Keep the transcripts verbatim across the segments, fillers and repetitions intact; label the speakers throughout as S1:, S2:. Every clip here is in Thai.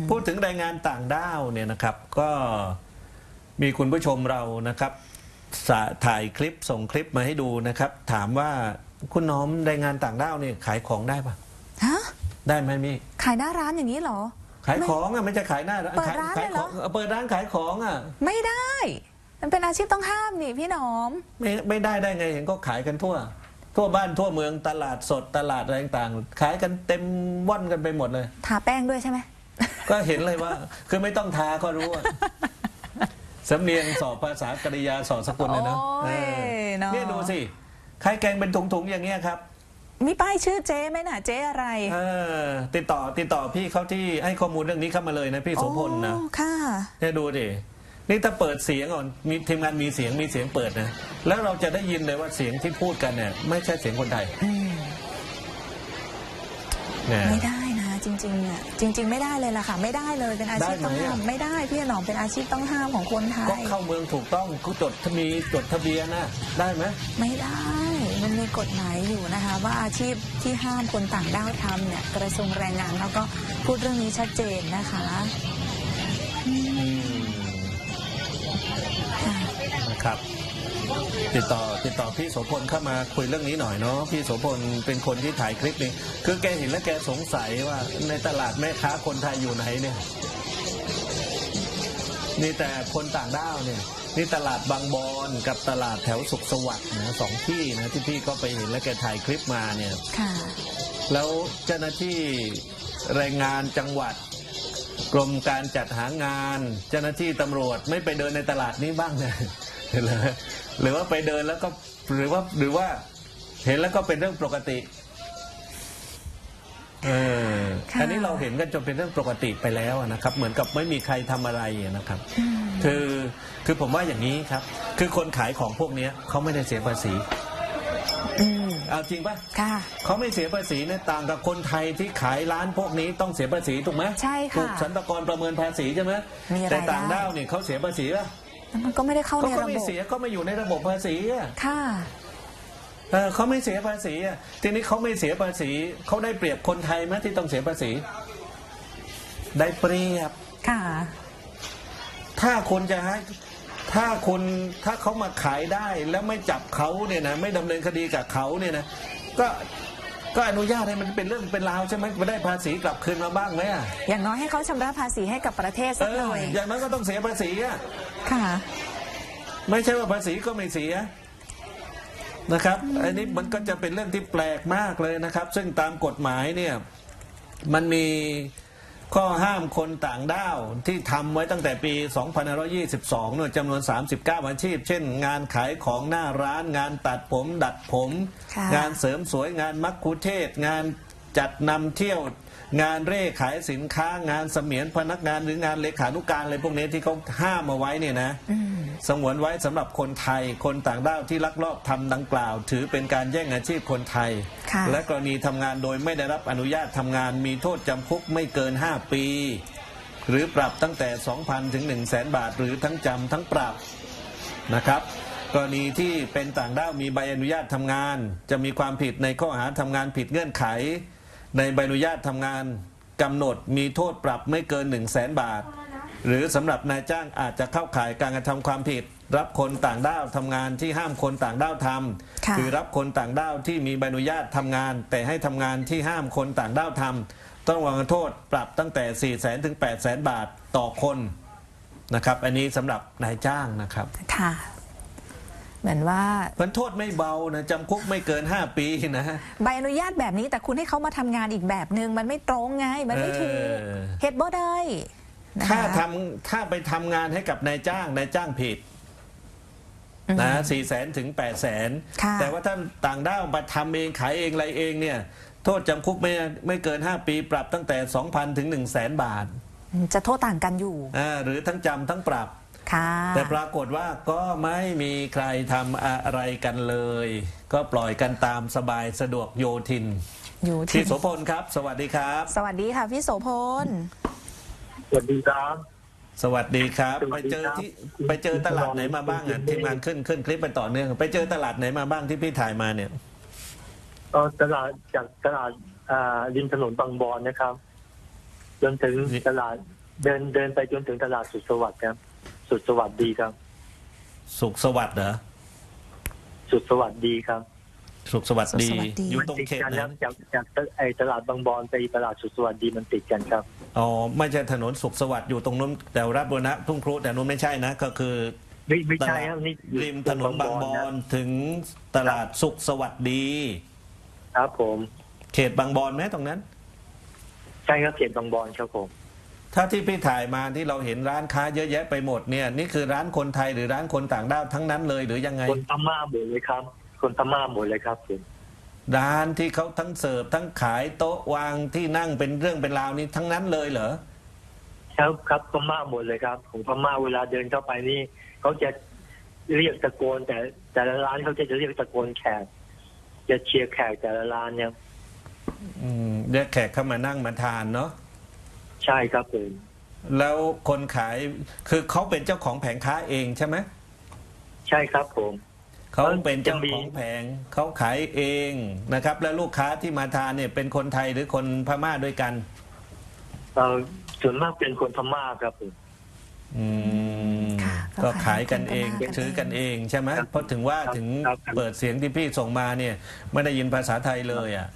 S1: พูดถึงแรงงานต่างด้าวเนี่ยนะครับก็มีคุณผู้ชมเรานะครับถ่ายคลิปส่งคลิปมาให้ดูนะครับถามว่าคุณน้อมแรงงานต่างด้าวเนี่ยขายของได้ปะ
S2: ฮะ
S1: ได้ไหมมี่
S2: ขายหน้าร้านอย่างนี้เหรอ
S1: ขายของอ่ะไม่จะขายหน้า
S2: เปิดร้านเลยเหรอ
S1: เปิดร้านขายของอ่ะ
S2: ไม่ได้มันเป็นอาชีพต้องห้ามนี่พี่น้อม
S1: ไม่ไม่ได้ได้ไงเห็นก็ขายกันทั่วทั่วบ้านทั่วเมืองตลาดสดตลาดอะไรต่างๆขายกันเต็มว่อนกันไปหมดเลย
S2: ทาแป้งด้วยใช่ไหม
S1: ก็เห็นเลยว่าคือไม่ต้องทาก็รู้สำเนียงสอบภาษากริยาสอบสกุลเลยนะนี่ดูสิขายแกงเป็นถุงๆอย่างเงี้ยครับ
S2: มีป้ายชื่อเจ๊ไหมน่ะเจ๊อะไร
S1: เออติดต่อติดต่อพี่เขาที่ให้ข้อมูลเรื่องนี้เข้ามาเลยนะพี่โสพลนะ
S2: ค่ะ
S1: เนี่ยดูดินี่ถ้าเปิดเสียงก่อนมีทีมงานมีเสียงมีเสียงเปิดนะแล้วเราจะได้ยินเลยว่าเสียงที่พูดกันเนี่ยไม่ใช่เสียงคนไทย
S2: ไม่ได้นะจริงๆอ่ะจริงๆไม่ได้เลยล่ะค่ะไม่ได้เลยเป็นอาชีพต้องห้ามไม่ได้พี่หนอมเป็นอาชีพต้องห้ามของคนไทย
S1: ก็เข้าเมืองถูกต้องก็จดมีจดทะเบียนนะได้ไหม
S2: ไม่ได้มันมีกฎหมายอยู่นะคะว่าอาชีพที่ห้ามคนต่างด้าวทำเนี่ยกระทรวงแรงงานเขาก็พูดเรื่องนี้ชัดเจนนะคะ
S1: นะครับติดต่อติดต่อพี่โสพลเข้ามาคุยเรื่องนี้หน่อยเนาะพี่โสพลเป็นคนที่ถ่ายคลิปนี้คือแกเห็นแล้วแกสงสัยว่าในตลาดแม่ค้าคนไทยอยู่ไหนเนี่ยนี่แต่คนต่างด้าวเนี่ยนี่ตลาดบางบอนกับตลาดแถวสุขสวัสดิ์นะสองที่นะที่พี่ก็ไปเห็นแล้วแกถ่ายคลิปมาเนี่ยแล้วเจ้าหน้าที่แรงงานจังหวัดกรมการจัดหางานเจ้าหน้าที่ตำรวจไม่ไปเดินในตลาดนี้บ้างเนี่ยหรือว่าไปเดินแล้วก็หรือว่าหรือว่าเห็นแล้วก็เป็นเรื่องปกติเอออันนี้เราเห็นกันจนเป็นเรื่องปกติไปแล้วนะครับเหมือนกับไม่มีใครทำอะไรนะครับคือคือผมว่าอย่างนี้ครับคือคนขายของพวกนี้เขาไม่ได้เสียภาษีเอาจริงป่ะเขาไม่เสียภาษีเนี่ยต่างกับคนไทยที่ขายร้านพวกนี้ต้องเสียภาษีถูกไหม
S2: ใช่ค่ะ
S1: ถูกสรรพากรประเมินภาษีใช่ไหมแต่ต่างด้าวเนี่ยเขาเสียภาษีป่ะ
S2: มันก็ไม่ได้เข้าในระบบเขา
S1: ไม่เสียก็ไม่อยู่ในระบบภาษีอ่ะ
S2: ค่ะ
S1: เออเขาไม่เสียภาษีอ่ะทีนี้เขาไม่เสียภาษีเขาได้เปรียบคนไทยไหมที่ต้องเสียภาษีได้เปรียบ
S2: ค่ะ
S1: ถ้าคนจะให้ถ้าคนถ้าเขามาขายได้แล้วไม่จับเขาเนี่ยนะไม่ดำเนินคดีกับเขาเนี่ยนะก็ก็อนุญาตให้มันเป็นเรื่องเป็นราวใช่ไหมมาได้ภาษีกลับคืนมาบ้างไหมอ่ะ
S2: อย่างน้อยให้เขาชำระภาษีให้กับประเทศสักหน่อย
S1: อย่างนั้นก็ต้องเสียภาษีอ่ะ
S2: ค่ะ
S1: ไม่ใช่ว่าภาษีก็ไม่เสียนะครับอันนี้มันก็จะเป็นเรื่องที่แปลกมากเลยนะครับซึ่งตามกฎหมายเนี่ยมันมีข้อห้ามคนต่างด้าวที่ทำไว้ตั้งแต่ปีสองพันห้าร้อยยี่สิบสองเนี่ยจำนวนสามสิบเก้าอาชีพเช่นงานขายของหน้าร้านงานตัดผมดัดผมงานเสริมสวยงานมัคคุเทศก์งานจัดนำเที่ยวงานเร่ขายสินค้างานเสมียนพนักงานหรืองานเลขานุการอะไรพวกนี้ที่เขาห้ามเอาไว้เนี่ยนะสงวนไว้สำหรับคนไทยคนต่างด้าวที่ลักลอบทำดังกล่าวถือเป็นการแย่งอาชีพคนไทยและกรณีทำงานโดยไม่ได้รับอนุญาตทำงานมีโทษจำคุกไม่เกินห้าปีหรือปรับตั้งแต่ สองพัน ถึง หนึ่งแสน บาทหรือทั้งจำทั้งปรับนะครับกรณีที่เป็นต่างด้าวมีใบอนุญาตทำงานจะมีความผิดในข้อหาทำงานผิดเงื่อนไขในใบอนุญาตทำงานกำหนดมีโทษปรับไม่เกิน หนึ่งแสน บาทหรือสำหรับนายจ้างอาจจะเข้าข่ายการกระทำความผิดรับคนต่างด้าวทำงานที่ห้ามคนต่างด้าวทำคือรับคนต่างด้าวที่มีใบอนุญาตทำงานแต่ให้ทำงานที่ห้ามคนต่างด้าวทำต้องวางโทษปรับตั้งแต่ สี่แสน ถึง แปดแสน บาทต่อคนนะครับอันนี้สำหรับนายจ้างนะครับ
S2: ค่ะเหมือนว่า
S1: มันโทษไม่เบานะจำคุกไม่เกินห้าปีนะ
S2: ใบอนุญาตแบบนี้แต่คุณให้เขามาทำงานอีกแบบนึงมันไม่ตรงไงมันไม่ถูกเฮ็ดบ่ได้
S1: ถ้าทำถ้าไปทำงานให้กับนายจ้างนายจ้างผิดนะสี่แสนถึงแปดแสนแต่ว่าท่านต่างด้าวมาทำเองขายเองอะไรเองเนี่ยโทษจำคุกไม่ไม่เกินห้าปีปรับตั้งแต่ สองพัน ถึง หนึ่งแสน บาท
S2: จะโทษต่างกันอยู่
S1: อ่าหรือทั้งจำทั้งปรับแต่ปรากฏว่าก็ไม่มีใครทำอะไรกันเลยก็ปล่อยกันตามสบายสะดวกโยทินพี่โสพลครับสวัสดีครับ
S2: สวัสดีค่ะพี่โสพล
S3: สวัสดีครับ
S1: สวัสดีครับไปเจอที่ไปเจอตลาดไหนมาบ้างอ่ะทีมงานขึ้นขึ้นคลิปไปต่อเนื่องไปเจอตลาดไหนมาบ้างที่พี่ถ่ายมาเนี่ย
S3: ตลาดจากตลาดริมถนนบางบอนนะครับจนถึงตลาดเดินเดินไปจนถึงตลาดสุดสวัสดิ์ครับ สุดสวัสดิ์ดีครับ
S1: สุขสวัสดิ์เหรอ
S3: สุดสวัสดิ์ดีครับ
S1: สุขสวัสดิ์ดี
S2: สุขสวัสดิ์ดี
S1: อยู่
S3: มัน
S1: ตรง
S3: ติด
S1: เขต
S3: กัน
S1: ไหน
S3: นะจากจากไอตลาดบางบอนไปตลาดสุดสวัสดิ์ดีมันติดกันครับ
S1: อ๋อไม่ใช่ถนนสุขสวัสดิ์อยู่ตรงนู้นแต่รับบุรณะทุ่งครุแต่นู้นไม่ใช่นะ ก็คือ
S3: ไม่ไม่ใช่ครับนี่อยู่
S1: ริมถนนบางบอ
S3: นะ
S1: นถึงตลาดสุขสวัสดี
S3: ครับผม
S1: เขตบางบอนไหมตรงนั้น
S3: ใช่ครับเขตบางบอนครับผม
S1: ถ้าที่พี่ถ่ายมาที่เราเห็นร้านค้าเยอะแยะไปหมดเนี่ยนี่คือร้านคนไทยหรือร้านคนต่างด้าวทั้งนั้นเลยหรือยังไง
S3: คนพม่าหมดเลยครับ คนพม่าหมดเลยครับผม
S1: ร้านที่เขาทั้งเสิร์ฟทั้งขายโต๊ะวางที่นั่งเป็นเรื่องเป็นราวนี้ทั้งนั้นเลยเหรอ
S3: ครับครับพม่าหมดเลยครับของพม่าเวลาเดินเข้าไปนี่เขาจะเรียกตะโกน แต่แต่ละร้านเขาจะเรียกตะโกนแขกจะเชียร์แขกแต่ละร้านเนี่ย
S1: อืมเรียกแขกเข้ามานั่งมาทานเนาะ
S3: ใช่ครับผม
S1: แล้วคนขายคือเขาเป็นเจ้าของแผงค้าเองใช่ไหม
S3: ใช่ครับผม
S1: เขาเป็นเจ้า
S3: จะมี
S1: ของแผงเขาขายเองนะครับ แล้วลูกค้าที่มาทานเนี่ยเป็นคนไทยหรือคนพม่าด้วยกัน
S3: เอ่อส่วนมากเป็นคนพม่าครับผม
S1: อืม
S2: ค่ะ
S1: ก็
S2: ก็
S1: ขา
S2: ขาย ย
S1: กันเอง
S2: กันเอง
S1: ซื้อกันเองใช่ไหม
S3: ครับ
S1: เพราะถึงว่า
S3: ครับ
S1: ถึง
S3: ครับครับ
S1: เปิดเสียงที่พี่ส่งมาเนี่ยไม่ได้ยินภาษาไทยเลยอ่ะ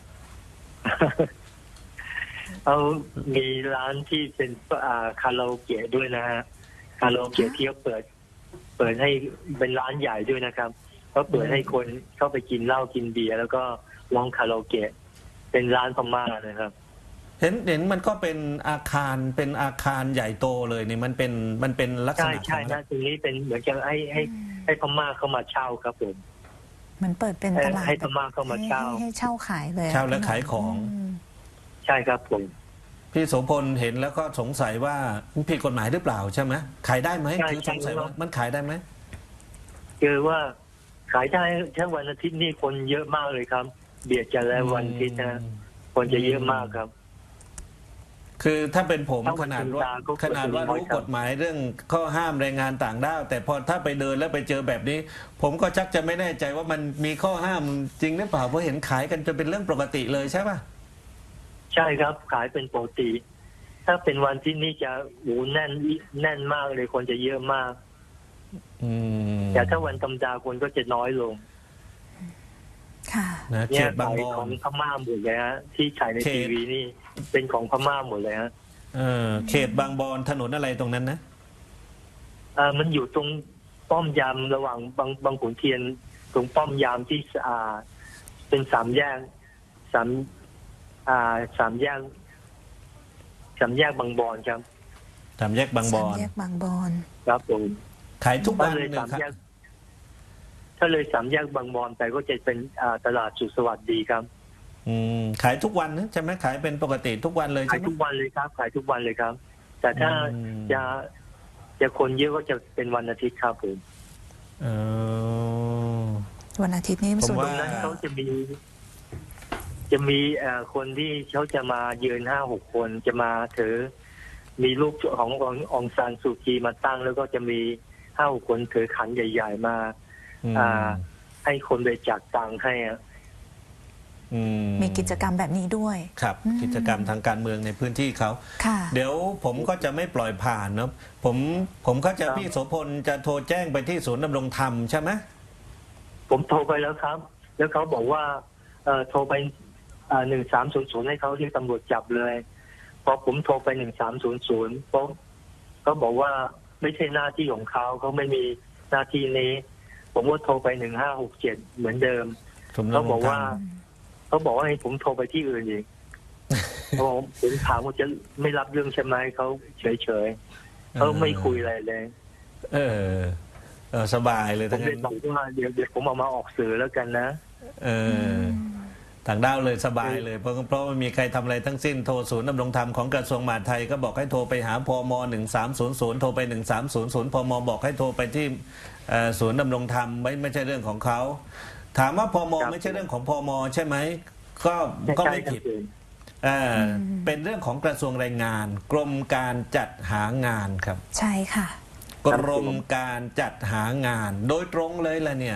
S3: เอามีร้านที่เป็นอ่าคาราโอเกะด้วยนะฮะคาราโอเกะที่เขาเปิด เปิดให้เป็นร้านใหญ่ด้วยนะครับเขาเปิดให้คนเข้าไปกินเหล้ากินเบียร์แล้วก็ร้องคาราโอเกะเป็นร้านพม่านะครับ
S1: เห็นเห็นมันก็เป็นอาคารเป็นอาคารใหญ่โตเลยนี่มันเป็นมันเป็นลักษ
S3: ใช่
S1: ณะข
S3: ใช่
S1: อง
S3: นะตรงนี้เป็นเหมือนกับให้ให้ให้พม่าเข้ามาเช่าครับผม
S2: เหมือนเปิดเป็นตลาด
S3: ให้พม่าเข้ามาเช่า
S2: ให้ให้เช่าขายเลย
S1: เช่าและขายของ
S2: ม
S3: ใช่ครับผม
S1: พี่โสพลเห็นแล้วก็สงสัยว่ามันผิดกฎหมายหรือเปล่าใช่ไหมขายได้ไหม
S3: ใช่
S1: คือสงสัยว่า
S3: ใช่
S1: มันขายได้ไหม
S3: คือว่าขายได้แค่วันอาทิตย์นี่คนเยอะมากเลยครับ เบียดกันแล้ววันอาทิตย์นะคนจะเยอะมากครับ
S1: คือถ้าเป็นผม
S3: ถ้าวั
S1: ข
S3: น
S1: นาด
S3: ธรรม
S1: ว่า
S3: ดาก็
S1: ขนาดว่า
S3: ควรจะมี
S1: รู้
S3: ไว้ครับ
S1: กฎหมายเรื่องข้อห้ามแรงงานต่างด้าวแต่พอถ้าไปเดินแล้วไปเจอแบบนี้ ผมก็ชักจะไม่แน่ใจว่ามันมีข้อห้ามจริงหรือเปล่าเพราะเห็นขายกันจนเป็นเรื่องปกติเลยใช่ป่ะ
S3: ใช่ครับ ขายเป็นปกติ ถ้าเป็นวันที่นี่จะโอ้แน่นแน่นมากเลยคนจะเยอะมาก
S1: อืม
S3: แต่ถ้าวันธรรมดาคนก็จะน้อยลง
S2: ค่ะ
S1: นะเข
S3: เนี่ย
S1: ตบาง
S3: ขาย
S1: บอ
S3: ขอน งพม่าหมดเลยฮะที่ฉายใน
S1: เขต
S3: ทีวีนี่ เป็นของพม่าหมดเลยฮะ
S1: เออเขตบางบอนถนนอะไรตรงนั้นนะ
S3: เอ่อมันอยู่ตรงป้อมยามระหว่างบางบางขุนเทียน ตรงป้อมยามที่อ่าเป็นสามแยกสามอ่าสามแยกสามแยกบางบอนครับ
S1: สามแยกบางบอน
S2: สามแยกบางบอน
S3: ครับผม
S1: ขายทุกวั
S3: ถ้าน เลย
S1: เลย
S3: สาม
S1: ครั
S3: แย
S1: บ
S3: ก ถ้าเลยสามแยกบางบอนไปก็จะเป็นอ่าตลาดสุขสวัสดีครับ
S1: อืมขายทุกวันนะใช่ไหมขายเป็นปกติทุกวันเลย
S3: ขา
S1: ใช่
S3: ย
S1: ไหม
S3: ทุกวันเลยครับ ขายทุกวันเลยครับ แต่ถ้า
S1: อืม
S3: จะจะคนเยอะก็จะเป็นวันอาทิตย์ครับผม
S1: เออ
S2: วันอาทิตย์นี้
S1: ผม
S2: ส่วน
S1: ว่า
S3: ตรงนั้นเขาจะมี จะมีเอ่อคนที่เขาจะมายืนห้าหกคนจะมาถือ มีรูปของององซานซูจีมาตั้ง แล้วก็จะมีห้าหกคนถือขันใหญ่ ๆ มา
S1: อืม
S3: อ่า ให้คนไปจักตังค์ให้อะ
S1: อืม
S2: มีกิจกรรมแบบนี้ด้วย
S1: ครับ
S2: อืม
S1: กิจกรรมทางการเมืองในพื้นที่เขา
S2: ค่ะ
S1: เดี๋ยวผมก็จะไม่ปล่อยผ่านเนาะผมผมเข้าใจ
S3: ครับ
S1: พี่โสพลจะโทรแจ้งไปที่ศูนย์ดำรงธรรมใช่ไหม
S3: ผมโทรไปแล้วครับ แล้วเขาบอกว่า เอ่อโทรไปหนึ่งสามศูนย์ศูนย์ให้เขาเรียกตำรวจจับเลย พอผมโทรไปหนึ่งสามศูนย์ศูนย์ปุ๊บเขาบอกว่าไม่ใช่หน้าที่ของเขาเขาไม่มีหน้าที่นี้ ผมก็โทรไปหนึ่งห้าหกเจ็ดเหมือนเดิม
S1: ศูนย์
S3: เขา
S1: ดำร
S3: บอง ก
S1: ธร
S3: ว่า
S1: รม
S3: เขาบอกว่าให้ผมโทรไปที่อื่นอีก เขาบอกผมถามว่าจะไม่รับเรื่องใช่ไหมเขาเฉยเฉยๆเขาไม่คุยอะไรเลย
S1: เออเออสบายเลย
S3: ผ
S1: ทั้
S3: ม
S1: ง
S3: เล
S1: นั้
S3: ย
S1: น
S3: บอกว่าเดี๋ยวเดี๋ยวผมเอามาออกสื่อแล้วกันนะ
S1: เออต่างด้าวเลยสบายเลยเพราะเพราะไม่มีใครทำอะไรทั้งสิ้นโทรศูนย์ดำรงธรรมของกระทรวงมหาดไทยก็บอกให้โทรไปหาพมหนึ่งสามศูนย์ศูนย์โทรไปหนึ่งสามศูนย์ศูนย์พมบอกให้โทรไปที่เอ่อศูนย์ดำรงธรรมไม่ไม่ใช่เรื่องของเขาถามว่าพม
S3: ครับ
S1: ไม่ใช่เรื่องของพมใช่ไหมก็ก็ไม่ผิด
S3: ใช่ครับ
S1: เอ่อเป็นเรื่องของกระทรวงแรงงาน กรมการจัดหางานครับ
S2: ใช่ค่ะ
S1: กรมการจัดหางาน โดยตรงเลยล่ะเนี่ย
S2: อ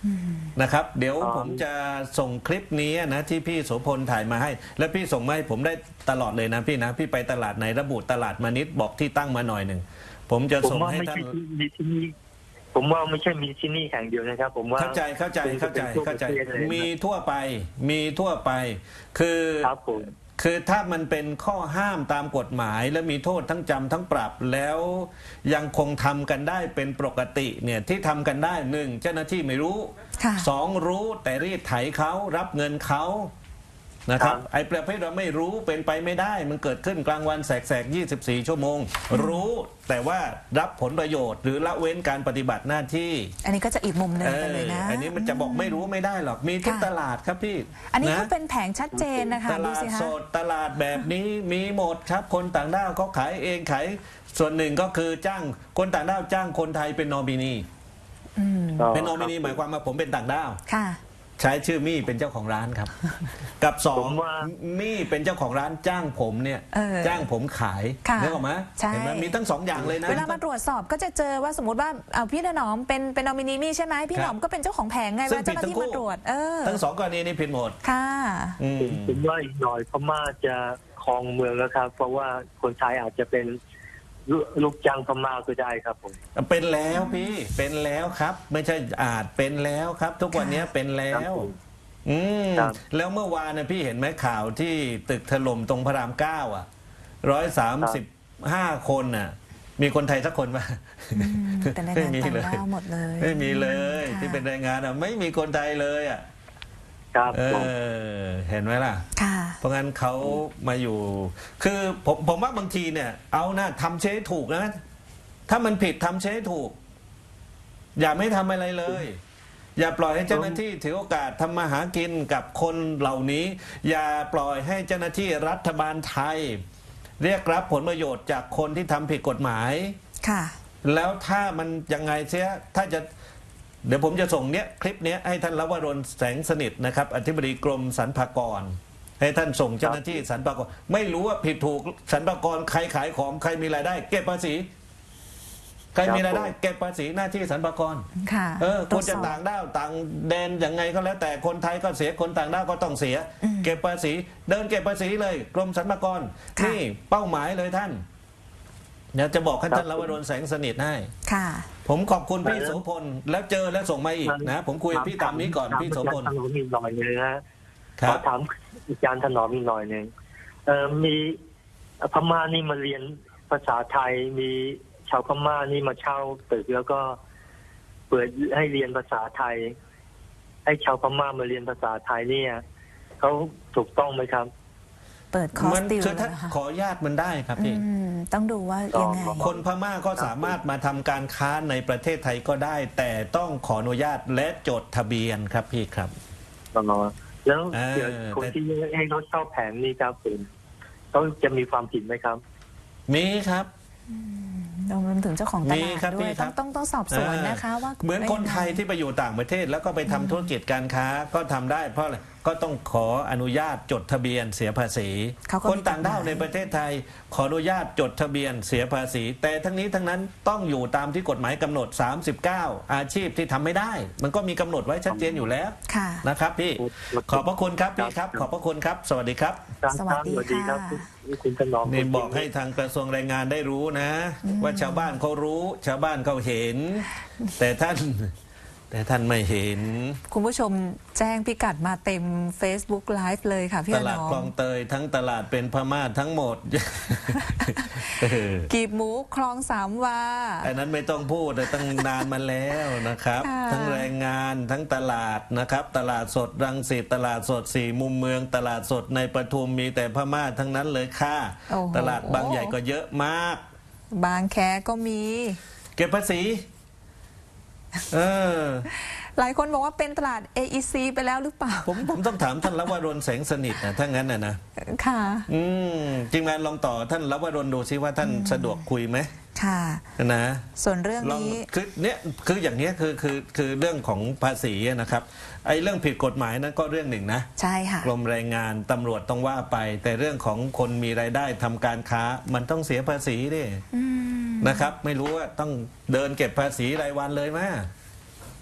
S2: อืม
S1: นะครับ เดี๋ยว
S3: อ๋อ
S1: ผมจะส่งคลิปนี้นะที่พี่โสพลถ่ายมาให้ แล้วพี่ส่งมาให้ผมได้ตลอดเลยนะพี่นะพี่ไปตลาดไหนระบุตลาดมานิดบอกที่ตั้งมาหน่อยหนึ่งผมจะ
S3: ผม
S1: ส่ง
S3: ว่า
S1: ให้
S3: ไม่
S1: ท่าน
S3: ใช่ที่มีที่นี่ผมว่าไม่ใช่มีที่นี่แห่งเดียวนะครับ ผมว่า
S1: เข้าใจเข้าใจเข้าใจเข้าใจ
S3: คงจะเป็นทั่วประเทศเลยนะ
S1: มีทั่วไปมีทั่วไป คือ
S3: ครับผม
S1: คือถ้ามันเป็นข้อห้ามตามกฎหมาย และมีโทษทั้งจำทั้งปรับแล้วยังคงทำกันได้เป็นปกติเนี่ยที่ทำกันได้หนึ่งเจ้าหน้าที่ไม่รู้
S2: ค่ะ
S1: สองรู้แต่รีดไถเขารับเงินเขานะครับ
S3: ครับ
S1: ไอ้ประเภทเราไม่รู้เป็นไปไม่ได้ มันเกิดขึ้นกลางวันแสกๆยี่สิบสี่ชั่วโมง รู้แต่ว่ารับผลประโยชน์ หรือละเว้นการปฏิบัติหน้าที่
S2: อันนี้ก็จะอีกมุมหนึ่ง
S1: เอ
S2: ไปเลยนะ
S1: ออันนี้มันจะบอกไม่รู้ไม่ได้หรอกมีทุก
S2: ค่ะ
S1: ตลาดครับพี่
S2: อันนี้
S1: ะ
S2: ก็เป็นแผงชัดเจนนะคะ
S1: ต
S2: ดู
S1: ลาด
S2: สิคะ
S1: สดตลาดแบบนี้มีหมดครับ คนต่างด้าวเขาขายเองขายส่วนหนึ่งก็คือจ้างคนต่างด้าวจ้างคนไทยเป็นนอมินี
S2: อืม
S3: อ๋อ
S1: เป็นนอมินี
S3: ครับ
S1: หมายความว่าผมเป็นต่างด้าว
S2: ค่ะ
S1: ใช้ชื่อมี่เป็นเจ้าของร้านครับ กับสอง
S3: ผมว่า
S1: มี่เป็นเจ้าของร้านจ้างผมเนี่ย
S2: เออ
S1: จ้างผมขาย
S2: ค่ะ
S1: นึกออกไหม
S2: ใช่
S1: เห็นไหมมีทั้งสองอย่างเลยนะ
S2: เวลามาตรวจสอบก็จะเจอว่าสมมติว่าเอาพี่ถนอมเป็นเป็นนอมินีมี่ใช่ไหมพี่
S1: ค
S2: ถ
S1: รับ
S2: นอมก็เป็นเจ้าของแผงไง
S1: ซึ่
S2: เว
S1: ง
S2: ลาเจ้าหน้า
S1: ผิดทั้
S2: ที่
S1: งคู่
S2: มาตรวจ เออ
S1: ทั้งสองกรณีนี้ผิดหมด
S2: ค่ะ
S1: อืม
S3: ผมว่าอีกหน่อยพม่าจะครองเมืองแล้วครับ เพราะว่าคนไทยอาจจะเป็นลูลูกจ้างพม่าก็ได้ครับผม
S1: เป็นแล้วพี่เป็นแล้วครับ ไม่ใช่อาจเป็นแล้วครับ ทุกวันนี้เป็นแล้
S3: ครั
S1: ว
S3: บผม
S1: อืม
S3: ครับ
S1: แล้วเมื่อวานนะพี่เห็นไหมข่าวที่ตึกถล่มตรงพระรามเก้าอ่ะร้อยสามสิบห้าคนน่ะ มีคนไทยสักคนปะ
S2: อืมเป็นแรงงานต่างด้าวหมดเลย
S1: ไม่มีเลย
S2: ค่ะ
S1: ที่เป็นแรงงานอ่ะไม่มีคนไทยเลยอ่ะ
S3: ครับ
S1: เอ
S3: ผม
S1: อเห็นไหมล่ะ
S2: ค่ะ
S1: เพราะงั้นเขามาอยู่ คือผมผมว่าบางทีเนี่ย เอานะทำเชให้ถูกนะ ถ้ามันผิดทำเชให้ถูก อย่าไม่ทำอะไรเลย อย่าปล่อยให้เจ้าหน้าที่ถือโอกาสทำมาหากินกับคนเหล่านี้ อย่าปล่อยให้เจ้าหน้าที่รัฐบาลไทย เรียกรับผลประโยชน์จากคนที่ทำผิดกฎหมาย
S2: ค่ะ
S1: แล้วถ้ามันยังไงเสียถ้าจะเดี๋ยวผมจะส่งเนี้ยคลิปเนี้ยให้ท่านลวรนแสงสนิทนะครับอธิบดีกรมสรรพากร ให้ท่านส่งเจ้าหน้าที่สรรพากรไม่รู้ว่าผิดถูกสรรพากรใครขายของใครมีรายได้ เก็บภาษีใครมีรายได้ เก็บภาษีหน้าที่สรรพากร
S2: ค่ะ
S1: เออ
S2: ต
S1: ค
S2: ร
S1: น
S2: วจส
S1: จะ
S2: อบ
S1: ต่างด้าวต่างแดนยังไงก็แล้ว แต่คนไทยก็เสียคนต่างด้าวก็ต้องเสีย
S2: อืม
S1: เก็บภาษี เดินเก็บภาษีเลย กรมสรรพากร
S2: ค่ะ
S1: นี่เป้าหมายเลยท่านเดี๋ยวจะบอกให้
S3: ครับ
S1: ท่านลวรนแสงสนิทให้
S2: ค่ะ
S1: ผมขอบคุณพี่
S3: แล้ว
S1: โสพลแล้วเจอแล้วส่งมาอีกนะ ผมคุยกับพี่ตามนี้ก่อน
S3: ถ
S1: พี่โสพล
S3: อาจารย์ถนอมอีกหน่อยหนึงนะ
S1: ครั
S3: ขอบ ถามอาจารย์ถนอมอีกหน่อยหนึ่งเอ่อมีพม่านี่มาเรียนภาษาไทย มีชาวพม่านี่มาเช่าตึกแล้วก็เปิดให้เรียนภาษาไทย ให้ชาวพม่ามาเรียนภาษาไทยเนี่ยเขาถูกต้องไหมครับ
S2: เปิดคอร์
S1: มั
S2: สติว
S1: คือ
S2: เล
S1: ถ้าย
S2: นะคะ
S1: ขออนุญาตมันได้ครับพี่
S2: อืมต้องดูว่ายังไง
S1: คนพม่าก็สามารถมาทำการค้าในประเทศไทยก็ได้ แต่ต้องขออนุญาตและจดทะเบียนครับพี่ครับ
S3: อ๋อแล้ว
S1: เออ
S3: เดี๋ยวคน
S1: แต่
S3: ที่ให้เขาเช่าแผงนี่ครับผมเขาจะมีความผิดไหมครับ
S1: มีครับ
S2: รวมถึงเจ้าของต
S1: มี
S2: ลาด
S1: ครับ
S2: ด้วย
S1: มีครั
S2: ต้อบ งต้องต้องสอบสวนนะคะว่า
S1: เหมือนคนไทยที่ไปอยู่ต่างประเทศ แล้วก็ไปทำธุรกิจการค้าก็ทำได้ เพราะอะไรก็ต้องขออนุญาตจดทะเบียนเสียภาษี
S2: เขาก็
S1: คน
S2: มี
S1: ต่างด้าวในประเทศไทย ขออนุญาตจดทะเบียนเสียภาษี แต่ทั้งนี้ทั้งนั้นต้องอยู่ตามที่กฎหมายกำหนด สามสิบเก้า อาชีพที่ทำไม่ได้ มันก็มีกำหนดไว้ชัดเจนอยู่แล้ว
S2: ค่ะ
S1: นะครับพี่
S3: ครับ
S1: ขอบพระคุณครับพี่ครับ ขอบพระคุณครับ สวัสดีครับ
S3: ครับ
S2: สวัสดี
S3: สวัสดีครับ
S2: ค่ะ
S3: คุณคุณถนอม
S1: นี่บอกให้ทางกระทรวงแรงงานได้รู้นะ ว่าชาวบ้านเขารู้ ชาวบ้านเขาเห็น แต่ท่าน แต่ท่านไม่เห็น
S2: คุณผู้ชมแจ้งพิกัดมาเต็ม Facebook Live เลยค่ะพี่
S1: ต
S2: อ
S1: ลาด
S2: นอ
S1: คลอ
S2: ม
S1: งเตยทั้งตลาดเป็นพม่าทั้งหมด เออ
S2: กีบหมูคลองสามวา
S1: อันนั้นไม่ต้องพูดแต่ตั้งนานมาแล้วนะครับ
S2: ค่ะ
S1: ทั้งแรงงานทั้งตลาดนะครับ ตลาดสดรังสิตตลาดสดสี่มุมเมือง ตลาดสดในปทุมมีแต่พม่าทั้งนั้นเลยค่ะ
S2: โอ้โห
S1: ตลาดบางใหญ่ก็เยอะมาก
S2: บางแคก็มี
S1: เก็บภาษี เออ
S2: หลายคนบอกว่าเป็นตลาด เอ อี ซี ไปแล้วหรือเปล่า
S1: ผมผมต้องถามท่านลวรนแสงสนิทนะถ้างั้นนะนะ
S2: ค่ะ
S1: อืมทีมงานลองต่อท่านลวรนดูซิว่าท่านสะดวกคุยไหม
S2: ค่ะ
S1: นะ
S2: ส่วนเรื่อง
S1: ลอง
S2: นี้
S1: คือเนี้ยคืออย่างเนี้ยคือคือคือเรื่องของภาษีนะครับไอ้เรื่องผิดกฎหมายนั้นก็เรื่องหนึ่งนะ
S2: ใช่ค่ะ
S1: กรมแรงงานตำรวจต้องว่าไป แต่เรื่องของคนมีรายได้ทำการค้ามันต้องเสียภาษีดิ
S2: อืม
S1: นะครับ ไม่รู้ว่าต้องเดินเก็บภาษีรายวันเลยไหม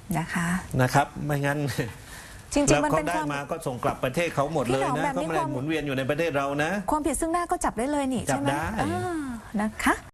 S2: นะคะ
S1: นะครับไม่งั้น
S2: จริง
S1: แล้ว
S2: ๆมัน
S1: เขา
S2: เป็น
S1: ได้
S2: ความ
S1: มาก็ส่งกลับประเทศเขาหมด
S2: พี่
S1: เลย
S2: หนอม
S1: นะ
S2: แบบ
S1: เขา
S2: นี้
S1: ไม่ได้
S2: ความ
S1: หมุนเวียนอยู่ในประเทศเรานะ
S2: ความผิดซึ่งหน้าก็จับได้เลยนี่
S1: จั
S2: ใช่
S1: บ
S2: ไหม
S1: ได้
S2: อ่านะคะ